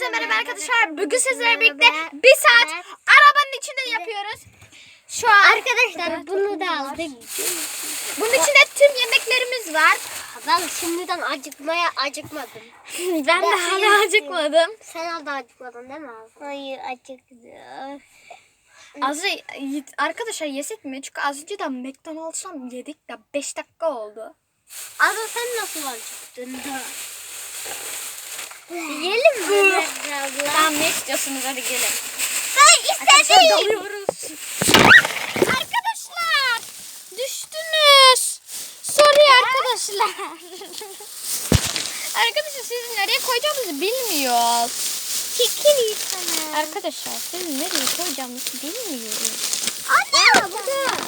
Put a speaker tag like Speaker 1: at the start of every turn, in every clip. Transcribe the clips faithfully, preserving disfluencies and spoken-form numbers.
Speaker 1: Hepinize merhaba arkadaşlar. Bugün sizlerle birlikte bir saat arabanın içinde yapıyoruz. Şu an
Speaker 2: Arkadaşlar bunu da aldık.
Speaker 1: Bunun içinde tüm yemeklerimiz var.
Speaker 2: Ben şimdiden acıkmaya acıkmadım.
Speaker 1: Ben de hala acıkmadım.
Speaker 2: Sen al da acıkmadın değil mi abi? Hayır acıktım.
Speaker 1: Azı arkadaşlar yesek mi? Çünkü az önce de McDonald's'tan yedik de beş dakika oldu.
Speaker 2: Abi sen nasıl acıktın da? Yiyelim mi?
Speaker 1: Tamam, ne istiyorsunuz, hadi gelin.
Speaker 2: Ben
Speaker 1: Arkadaşlar
Speaker 2: istedim.
Speaker 1: dalıyoruz. Arkadaşlar düştünüz. Sorry arkadaşlar. Arkadaşlar sizi nereye koyacağımızı bilmiyoruz.
Speaker 2: Kikiri sana.
Speaker 1: Arkadaşlar sizi nereye koyacağımızı bilmiyoruz.
Speaker 2: Anne burada.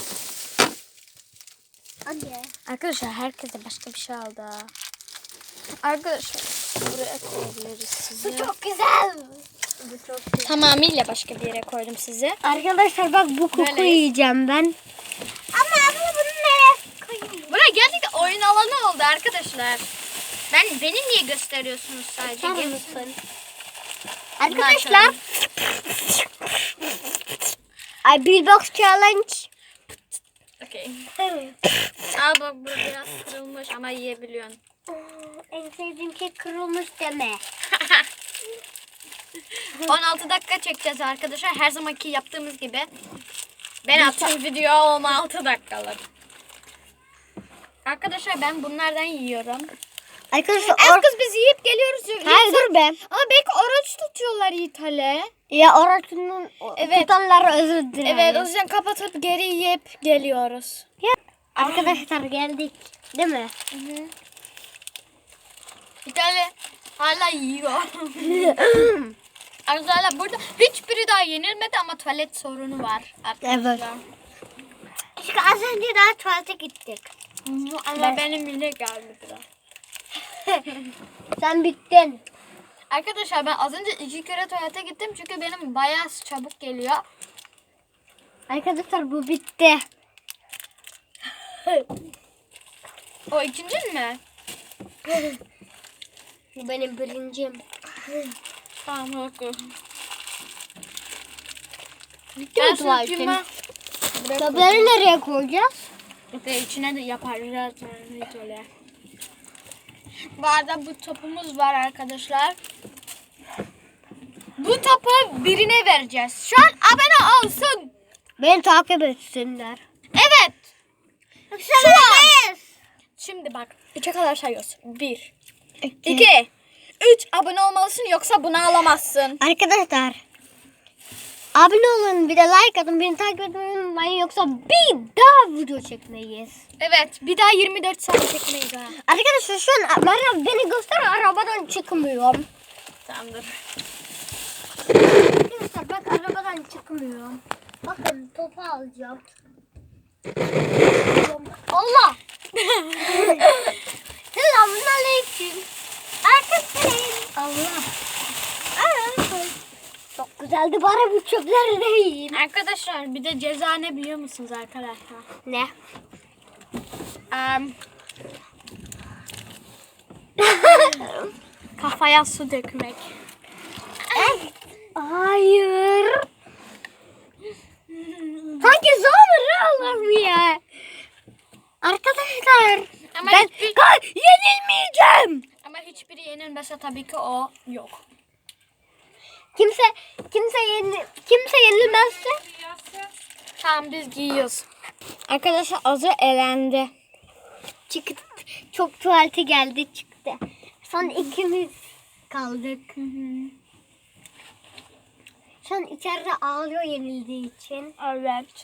Speaker 2: Anne.
Speaker 1: Arkadaşlar herkes de başka bir şey aldı. Arkadaşlar buraya koyabiliriz sizi.
Speaker 2: Bu çok güzel. Bu çok güzel.
Speaker 1: Tamamıyla başka bir yere koydum sizi.
Speaker 2: Arkadaşlar bak bu koku
Speaker 1: Böyle.
Speaker 2: yiyeceğim ben. Ama abla bunu nereye koyayım?
Speaker 1: Buraya gerçekten oyun alanı oldu arkadaşlar. Ben beni niye gösteriyorsunuz sadece?
Speaker 2: Sen
Speaker 1: Gelin.
Speaker 2: misin? Arkadaşlar. Ay Billbox Challenge.
Speaker 1: Okay. Al bak, bu biraz kırılmış ama yiyebiliyorsun.
Speaker 2: En sevdiğim şey kırılmış deme.
Speaker 1: on altı dakika çekeceğiz arkadaşlar. Her zamanki yaptığımız gibi. Ben attığım video on altı dakikalık. Arkadaşlar ben bunlardan yiyorum.
Speaker 2: Arkadaşlar
Speaker 1: Az kız biz yiyip geliyoruz.
Speaker 2: Hayır dur be.
Speaker 1: Ama belki oruç tutuyorlar İtalya.
Speaker 2: Ya oranın
Speaker 1: Evet.
Speaker 2: tutanlara özür dilerim.
Speaker 1: Evet, o yüzden kapatıp geri yiyip geliyoruz.
Speaker 2: Arkadaşlar geldik. Değil mi?
Speaker 1: İtalya hala yiyor. Arkadaşlar burada hiçbiri daha yenilmedi ama tuvalet sorunu var arkadaşlar.
Speaker 2: Evet. Çünkü az önce daha tuvalete gittik.
Speaker 1: Ama
Speaker 2: Ben-
Speaker 1: benim bile geldi biraz.
Speaker 2: Sen bittin.
Speaker 1: Arkadaşlar ben az önce iki kere tuvalete gittim çünkü benim bayağı çabuk geliyor.
Speaker 2: Arkadaşlar bu bitti.
Speaker 1: O ikincin mi?
Speaker 2: Bu benim birincim.
Speaker 1: Tamam, haklı.
Speaker 2: Bitti mi tuvaletin?
Speaker 1: sürtüğüme
Speaker 2: Tabları nereye koyacağız?
Speaker 1: ve içine de yaparız. Hiç öyle. Bu arada bu topumuz var arkadaşlar. Bu topu birine vereceğiz. Şu an abone olsun.
Speaker 2: Beni takip etsinler.
Speaker 1: Evet. Şu an. Şimdi bak. Üçe kadar sayıyoruz. Bir. İki. Üç. Abone olmalısın yoksa bunu alamazsın.
Speaker 2: Arkadaşlar abone olun, bir de like atın, beni takip etmeyi unutmayın, yoksa bir daha video çekmeyiz.
Speaker 1: Evet. Bir daha yirmi dört saat çekmeyiz ha.
Speaker 2: Arkadaşlar şu an Meryem beni göster, arabadan çıkmıyorum.
Speaker 1: Tamamdır.
Speaker 2: Arkadaşlar bak, arabadan çıkmıyorum. Bakın topu alacağım. Allah! Selamünaleyküm. Arkadaşlar. Allah. Aa, çok güzeldi, bari bu çöpleri de yiyeyim.
Speaker 1: Arkadaşlar bir de ceza ne biliyor musunuz arkadaşlar?
Speaker 2: Ne?
Speaker 1: Um, kafaya su dökmek.
Speaker 2: Hayır. Sanki zor Allah'ım ya. Arkadaşlar
Speaker 1: Ama
Speaker 2: ben
Speaker 1: hiçbir-
Speaker 2: Ka- yenilmeyeceğim.
Speaker 1: Ama hiçbiri yenilmese tabii ki o yok.
Speaker 2: Kimse kimse yenil kimse yenilmezse.
Speaker 1: Tamam, biz giyiyoruz. Arkadaşlar Azra elendi.
Speaker 2: Çıktı. Çok tuvalete geldi çıktı. Son ikimiz kaldık. Şu an içeride ağlıyor yenildiği için.
Speaker 1: Evet.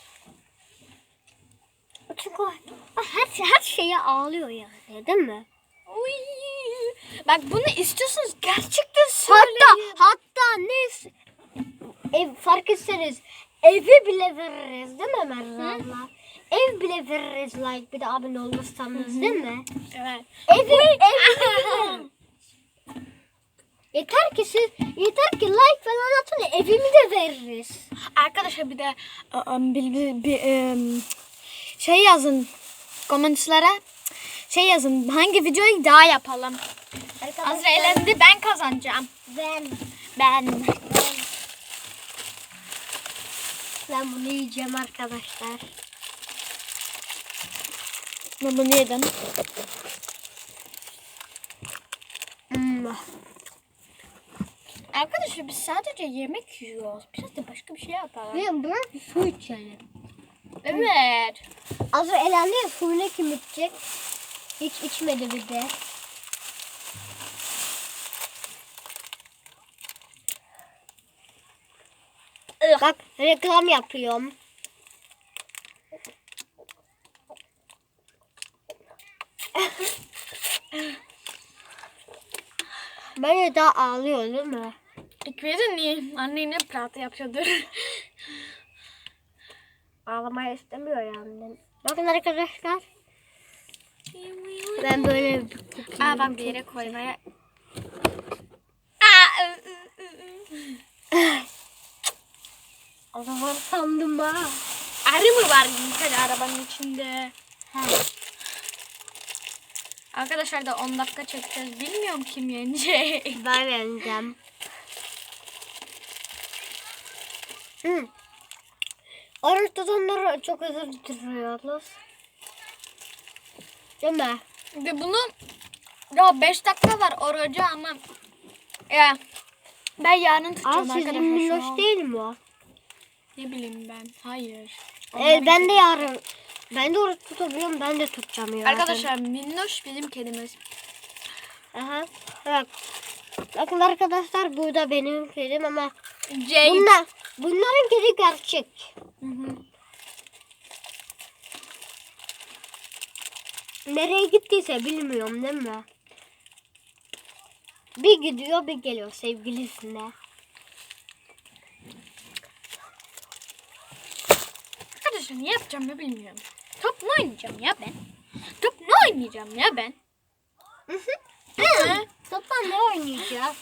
Speaker 2: Çünkü o her, her şeye ağlıyor yani, değil mi?
Speaker 1: Uy. Bak bunu istiyorsunuz gerçekten söyleyin.
Speaker 2: Hatta hatta ne ev fark etseniz evi bile veririz, değil mi Merve abla? Ev bile veririz, like bir de abone olursanız, değil mi?
Speaker 1: Evet.
Speaker 2: Evi evi yeter ki siz yeter ki like falan atın, evimi de veririz.
Speaker 1: Arkadaşlar bir de um, bir, bir, bir, um, şey yazın komentlara. Şey yazın, hangi videoyu daha yapalım.
Speaker 2: Arkadaşlar
Speaker 1: Azra elendi, ben kazanacağım.
Speaker 2: ben
Speaker 1: Ben.
Speaker 2: Ben bunu yiyeceğim arkadaşlar.
Speaker 1: Ben bunu yedim.
Speaker 2: Hmm.
Speaker 1: Arkadaşlar biz sadece yemek yiyoruz. Biraz da başka bir şey yapalım.
Speaker 2: Ve bırak su içelim.
Speaker 1: Evet.
Speaker 2: Az önce elendi ya, suyunu kim içecek? Hiç içmedi bir de. Bak reklam yapıyorum. Bence daha ağlıyor değil mi?
Speaker 1: İlk verin niye? Anne yine prata yapıyordur.
Speaker 2: Ağlamayı istemiyor yani. Bakın arkadaşlar. Ben böyle
Speaker 1: Aa bak bir yere koymaya. Aa, ı, ı, ı, ı.
Speaker 2: o zaman sandım ha.
Speaker 1: Arı mı var bir tane arabanın içinde?
Speaker 2: Ha.
Speaker 1: Arkadaşlar da on dakika çekeceğiz. Bilmiyorum kim yenecek.
Speaker 2: Ben yeneceğim. Hı. Oruç tutanları çok özür diliyoruz. Değil mi?
Speaker 1: Ve bunun ya beş dakika var orucu ama ya ben yarın
Speaker 2: Aa,
Speaker 1: tutacağım
Speaker 2: sizin
Speaker 1: arkadaşlar. şu
Speaker 2: minnoş
Speaker 1: an.
Speaker 2: değil mi o?
Speaker 1: Ne bileyim ben. Hayır.
Speaker 2: Evet, ben de yarın. Ben de oruç tutabiliyorum. Ben de tutacağım yarın.
Speaker 1: Arkadaşlar minnoş bizim kedimiz.
Speaker 2: Aha. Evet. Bakın arkadaşlar, burada benim kedim ama
Speaker 1: Jake.
Speaker 2: bunlar, bunların kedi gerçek.
Speaker 1: Hı hı.
Speaker 2: Nereye gittiyse bilmiyorum değil mi? Bir gidiyor bir geliyor sevgilisine.
Speaker 1: Arkadaşlar ne yapacağım ya bilmiyorum. Top mu oynayacağım ya ben? Top mu oynayacağım ya ben?
Speaker 2: Hı hı. Topla ne oynayacağız?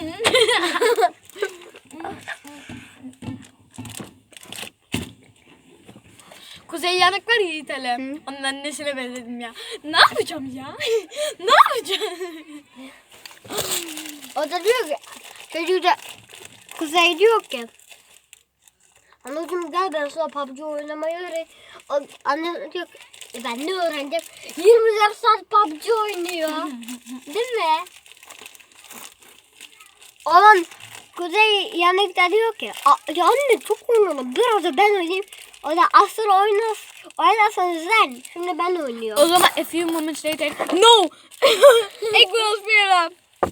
Speaker 1: Kuzey yanık var ya İtalya. Onun annesine benzedim ya. Ne yapacağım ya? Ne yapacağım?
Speaker 2: O da diyor ki, çocuk da Kuzey diyor ki, anacığım gel ben sana P U B G oynamayı öğret. O- Anne diyor ki, "E ben ne öğreneceğim? yirmi dört saat P U B G oynuyor. Değil mi? Olan Kuzey yanıkta diyor ki, "A- ya anne çok oynadım, biraz da ben oynayayım." O da asıl oynas, oynarsanız sen, şimdi ben oynuyorum.
Speaker 1: O zaman a few moments later. No! Ik wil spelen.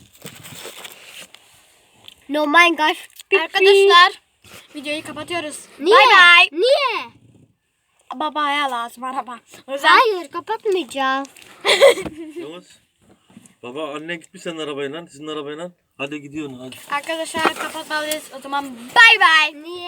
Speaker 2: No my gosh.
Speaker 1: Arkadaşlar videoyu kapatıyoruz.
Speaker 2: Niye?
Speaker 1: Bye bye.
Speaker 2: Niye?
Speaker 1: Babaya lazım araba. O yüzden
Speaker 2: Hayır, kapatmayacağım.
Speaker 3: Yavaş. Baba annen gitmiş senin arabayla, sizin arabayla. Hadi gidiyorsun hadi.
Speaker 1: arkadaşlar kapatmalıyız. O zaman bye bye.
Speaker 2: Niye?